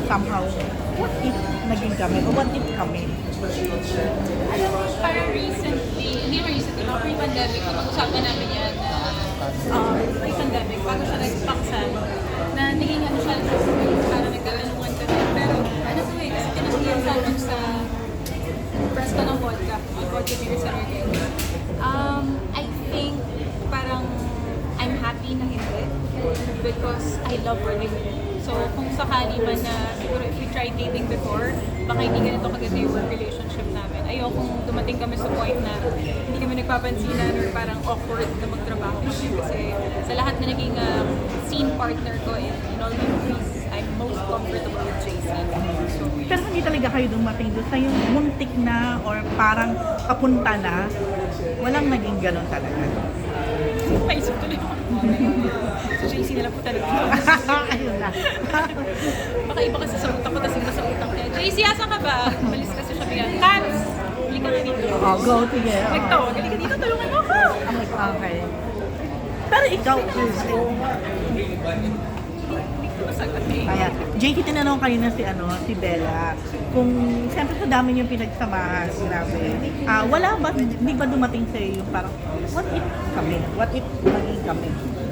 somehow, what if naging kami o what if kami? Alam mo, parang recently, hindi mo recently, mga pre-pandemic, napag-usapan namin yan na pre-pandemic, bago siya nagpaksan, na naging ano siya, parang nagkatanungan kami. Pero ano to eh, kasi tinangiyan sa amin sa press ko ng vodka, yung vodka beer sa Merkel. I think parang I'm happy na hindi because I love working with him. So kung sakali man na siguro if we tried dating before, baka hindi ganito kaganda yung work relationship namin. Ayokong dumating kami sa point na hindi kami nagpapansinan or parang awkward na magtrabaho kasi sa lahat na naging scene partner ko in all my movies, I'm most comfortable with JC. So, Pero hindi talaga kayo dumating doon sa yung muntik na or parang papunta na, walang naging ganun talaga. maisip tuloy ako. So JC na lang po talaga. Ayun na. Baka iba kasi sa utak ko, tapos iba sa utak niya. JC, asan ka ba? Malis kasi siya bigyan. Cats! Hindi ka na dito. Oh, go, sige. Nagtawag, hindi ka dito, tulungan mo ako. Okay. Pero ikaw, Hindi ko masagot eh. kaya, JT, tinanong kanina si Bella, kung siyempre sa dami niyong pinagsamahan, grabe. Wala ba, hindi ba dumating sa'yo yung parang, what if kami? What if maging kami?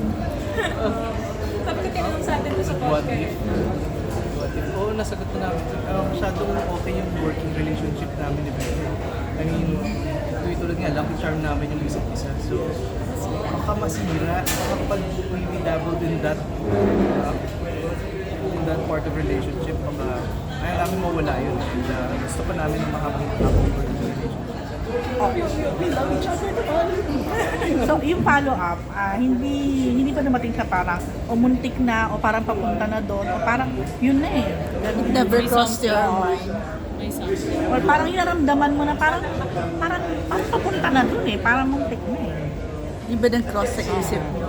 Sabi ko tinanong sa atin doon sa What podcast. if? What if? Oo, nasagot na namin. Masyadong okay yung working relationship namin ni Bella. I mean, tulad nga, lucky charm namin yung isa't isa. So, baka masira, baka pag we dabbled in that part of relationship, baka ayaw namin mawala yun. And gusto pa namin na mahabang working relationship. We love each other. So, yung follow-up, hindi pa dumating sa parang, o muntik na, o parang papunta na doon, o parang, yun na eh. It never crossed your mind. May something. Or parang inaramdaman mo na parang papunta na doon eh, parang muntik na eh. Di ba nang cross sa isip nyo?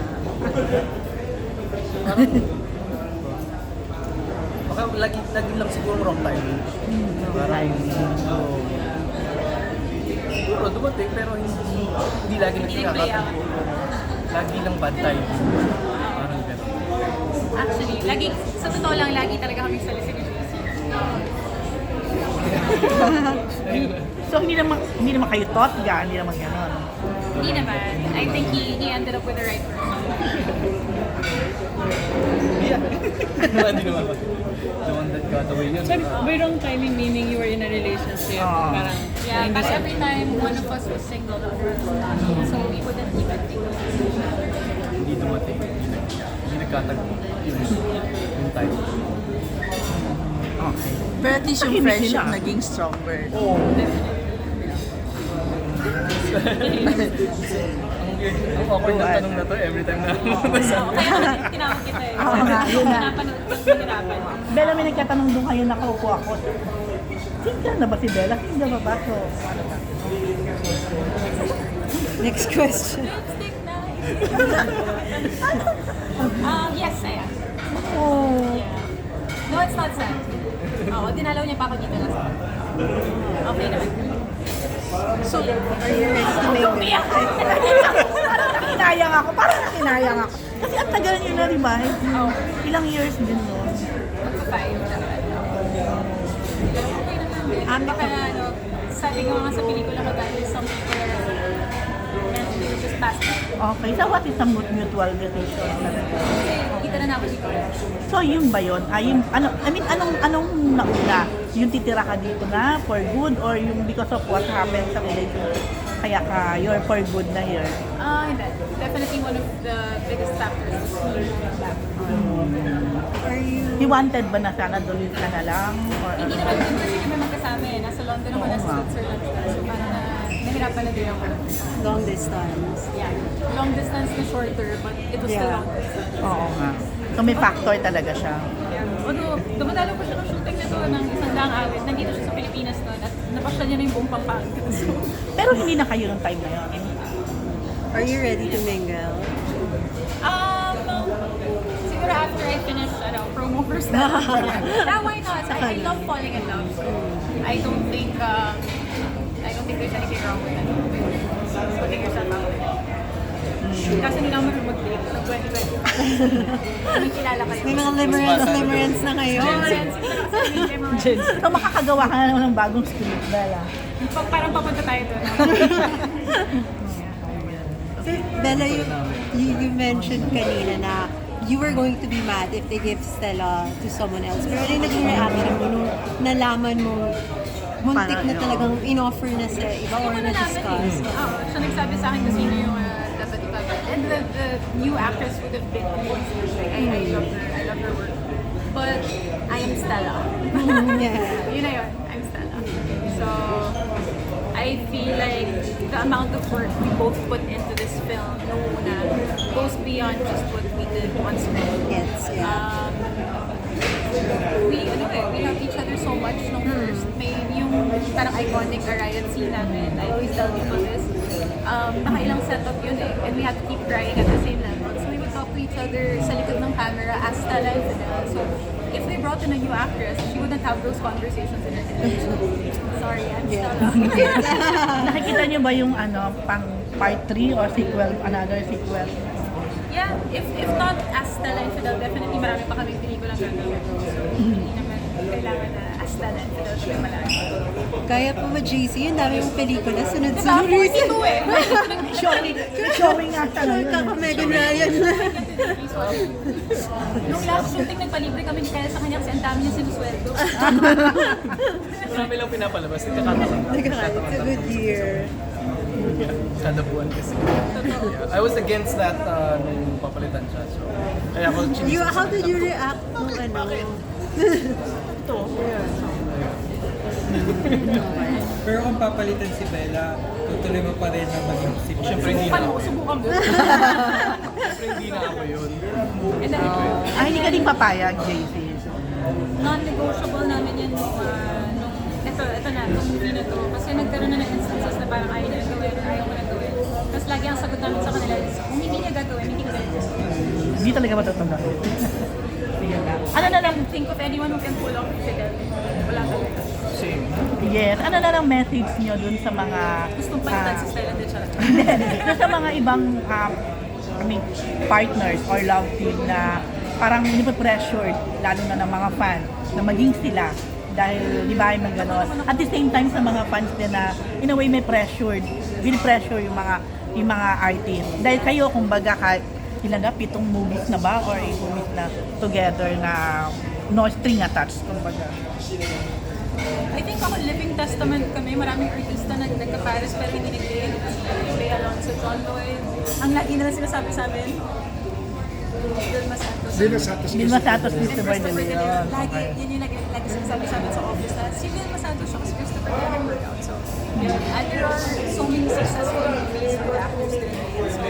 Baka lagi lang siguro wrong timing. Parang, siguro dumating pero hindi lagi nagkakataon. Lagi lang bad timing. Parang gano'n. Actually, lagi, sa totoo lang, lagi talaga kami sa listening. So, hindi naman kayo totga, hindi naman gano'n. Hindi naman. I think he ended up with the right person. Yeah. Hindi naman ba? The one that got away yun. Sorry, by wrong timing meaning you were in a relationship. Parang, Yeah, hindi but sa- every time one of us was single, the other was not. So we wouldn't even think of it. Hindi dumating. Hindi nagkatagpo. Yung time. Okay. Pero at least yung Tahimik friendship sila. naging stronger. Oo. Ang awkward na tanong na to every time na So, kaya tinawag kita eh. Oo nga, yun na. Pinapanood ko sa hirapan. Bella, may nagkatanong doon kayo, nakaupo ako. Single na ba si Bella? Single ba ba? So, ano ba? Next question. Lipstick na. Yes, I am. Oh. Yeah. No, it's not sad. Oo, dinalaw niya pa ako dito last time. Okay naman. So, are you ready to make Umiyak! Parang nakinayang ako. Kasi ang tagal nyo na, di ba? Oh, Ilang years din nun. magpa-five naman. Okay naman din. Baka ano, sabi ko nga sa pelikula ko dahil some people are meant to just pass by. Okay, so what is a mutual decision? Kasi kita na ako dito. So, yun ba yun? Anong nauna? Yung titira ka dito na for good or yung because of what happened sa relationship? Kaya you're for good na here? Hindi. Definitely one of the biggest factors was me moving back. He wanted ba na sana doon ka na lang? Or Hindi naman din kasi kami magkasama eh. Nasa London ako, nasa Switzerland siya. So parang nahirapan na din ako. long distance? Yeah. Long distance na shorter, but it was still Yeah. long distance. Oo nga. So, may factor talaga siya. Yeah. Although, dumadalo ko siya ng shooting nito ng isang daang awit. Nandito siya sa Pilipinas noon at napasya niya na yung buong Pampanga. So, Pero hindi na kayo nung time na yun. Are you ready to mingle? siguro after I finish, promo first na. Yeah, why not? I love falling in love. So, I don't think there's anything wrong with that. Putting yourself out there. Kasi hindi naman mag-date ng 2020. May kilala kayo. May mga limerence na ngayon. So makakagawa ka na naman ng bagong script, Bella. Parang papunta tayo doon. So, Bella, you mentioned kanina na you were going to be mad if they give Stella to someone else. Pero ano yung naging reaction mo nung nalaman mo muntik na talagang in-offer na sa iba or na-discuss? Siya nagsabi sa akin kung sino yung dapat ipapat. And the new actress would have been amazing. I love her work. But I am Stella. Yeah. Yun na yun. I'm Stella. So, I feel like the amount of work we both put into this film nung una goes beyond just what we did on screen. Yes, yeah. We love each other so much nung first. May yung parang iconic riot scene namin. I always tell people this. Nakailang setup yun eh. And we had to keep crying at the same level. So we would talk to each other sa likod ng camera as Stella and Fidel. So if they brought in a new actress, she wouldn't have those conversations in her head. Sorry, I'm Stella. Nakikita niyo ba yung ano, pang part 3 or sequel, another sequel? Yeah, if not as Stella and Fidel, definitely marami pa kami pelikulang gagawin. So, hindi naman kailangan na as Stella and Fidel siya malaki. Kaya po ba, JC, yung dami mong pelikula, Diba, sunod-sunod. 42 eh. Showing nga siya ngayon. Kaka-Megan Ryan. Nung last shooting, nagpalibre kami ni Kyle sa kanya kasi ang dami niya sinusweldo. Marami lang pinapalabas. Nagkakataon. It's a good year. Kada buwan kasi. Yeah. I was against that nung papalitan siya. So, kaya ako How did you react nung ano? Pero kung papalitan si Bella, tutuloy mo pa rin na maging si Bella. Siyempre hindi na ako. Subukan mo. Siyempre hindi na ako yun. And then, Hindi ka din papayag, JC. non-negotiable namin yan nung ito na, itong movie na to. Kasi nagkaroon na ng instances na parang ayaw niya gawin or ayaw mo na gawin. Tapos lagi ang sagot namin sa kanila is, kung hindi niya gagawin, hindi ko gagawin. Hindi talaga matutunan. Sige na. Ano na lang, Think of anyone who can pull off Fidel. Wala talaga. Same. yes, ano na lang message niyo dun sa mga... Gustong palitan si Stella de Charot. dun sa mga ibang partners or love team na parang pressured lalo na ng mga fan na maging sila dahil di ba yung gano'n. At the same time sa mga fans din na in a way may pressured, pressure yung mga artists. Dahil kayo kumbaga kahit ilan na 7 movies na ba or 8 movies na together na no string attached kumbaga. I think ako living testament kami. Maraming artista na nagka-Paris pero hindi nag-date. Si Bea Alonso, John Lloyd. Ang lagi nila sinasabi sa amin, Vilma Santos. Vilma Santos, And Christopher De Christopher De Leon. Leon. Lagi, yun yung lagi sinasabi sa amin sa office na si Vilma Santos siya kasi Christopher De Leon work out. So, yun. And there are so many successful movies with actors din. So,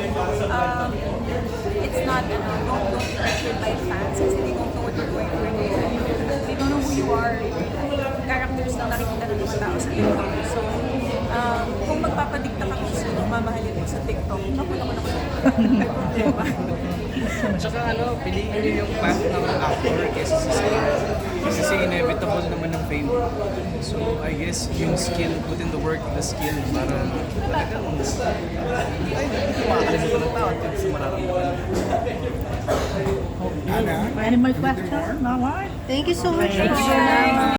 it's not, don't be pressured by fans kasi they don't know what you're going through. They don't know who you are. Characters lang nakikita ng mga tao sa TikTok. So, kung magpapadikta ka kung sino mamahalin mo sa TikTok, mapulang ko na ko. Diba? Tsaka piliin niyo yung path ng actor kaysa sa scene. Kasi inevitable naman ng fame. So, I guess yung skill, put in the work, the skill, para talagang hindi makakalimutan ng tao at sa mararamdaman. Any more questions? No more? Thank you so much. Thank you.